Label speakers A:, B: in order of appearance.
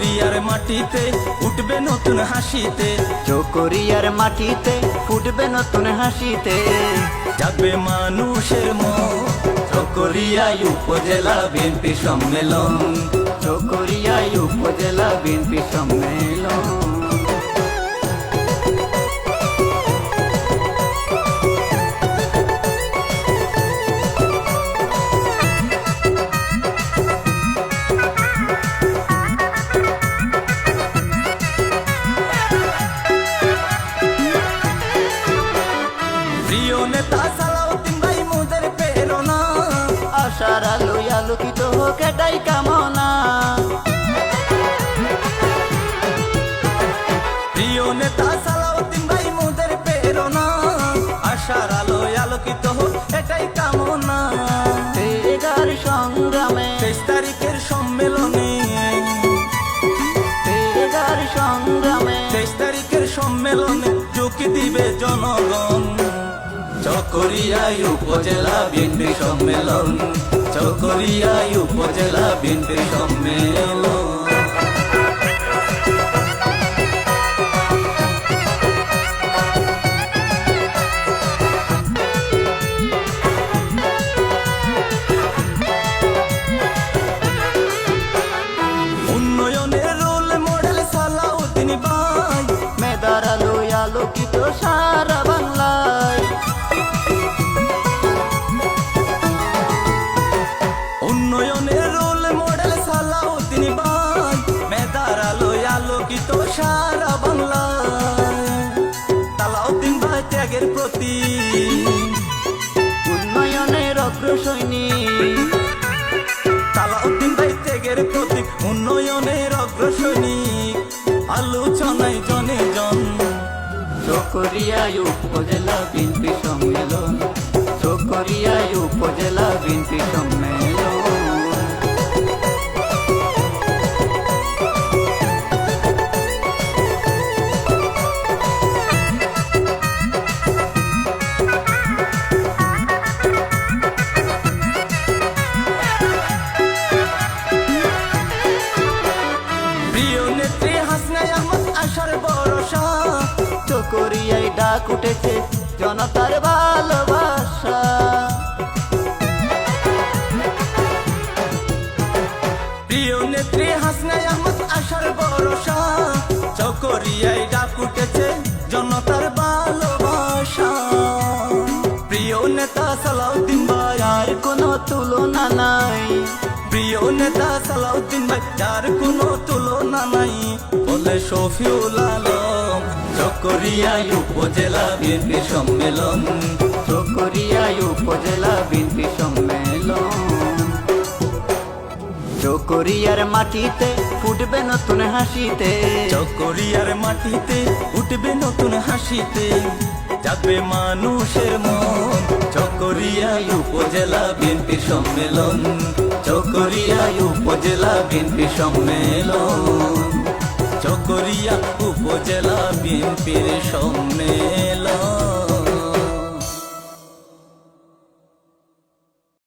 A: চকরিয়ার মাটিতে উঠবে নতুন হাসিতে,
B: চকরিয়ার মাটিতে ফুটবে নতুন হাসিতে,
A: যাবে মানুষের মন। চকরিয়ায় উপজেলা বিএনপি সম্মেলন,
B: চকরিয়ায় উপজেলা বিএনপি সম্মেলন।
A: প্রিয় নেতা সালাউদ্দিন ভাই মোদের প্রেরণা,
B: আশার আলোয় আলোকিত হোক এটাই কামনা।
A: প্রিয় নেতা সালাউদ্দিন ভাই মোদের প্রেরণা, আশার আলোয় আলোকিত হোক এটাই কামনা।
B: তেগার সংগ্রামে
A: 23 তারিখের সম্মেলনে,
B: তেগার সংগ্রামে
A: 23 তারিখের সম্মেলনে ঝুঁকি দিবে জনগণ। চকরিয়ায় উপজেলা বিএনপি সম্মেলন, চকরিয়ায় উপজেলা বিএনপি সম্মেলন। উন্নয়নের রোল মডেল সালাউদ্দিন ভাই,
B: মেদার আলোয় আলোকিত সারা বাংলায়।
A: উন্নয়নের রোল মডেল সালাউদ্দিন ভাই, মেদার আলোয় আলোকিত সারা বাংলায়। সালাউদ্দিন ভাই ত্যাগের প্রতি,
B: উন্নয়নের অগ্রসৈনিক,
A: সালাউদ্দিন ভাই ত্যাগের প্রতি, উন্নয়নের অগ্রসৈনিক। আলোচনায় জনে জন,
B: চকরিয়ায় উপজেলা বিএনপি সম্মেলন, চকরিয়ায় উপজেলা বিএনপি সম্মেলন।
A: প্রিয় নেত্রী হাসনা আহমদ আশার ভরসা,
B: চকরিয়ায় ডাক উঠেছে জনতার ভালোবাসা।
A: প্রিয় নেত্রী হাসনা আহমদ আশার ভরসা, চকরিয়ায় ডাক উঠেছে জনতার ভালোবাসা। প্রিয় নেতা সালাউদ্দিন ভাই,
B: আর কোনো তুলনা নাই,
A: প্রিয় নেতা সালাউদ্দিন ভাই, যার কোনো তুলনা নাই বলে শফিউল আলম। চকরিয়ায় উপজেলা বিএনপি সম্মেলন,
B: চকরিয়ায় উপজেলা বিএনপি সম্মেলন। চকরিয়ার মাটিতে ফুটবে নতুন হাসিতে,
A: চকরিয়ার মাটিতে উঠবে নতুন হাসিতে, যাবে মানুষের মন। চকরিয়ায় উপজেলা বিএনপি সম্মেলন, চকরিয়ায় উপজেলা বিএনপি সম্মেলন, চকরিয়া উপজেলা বিএনপির সম্মেলন।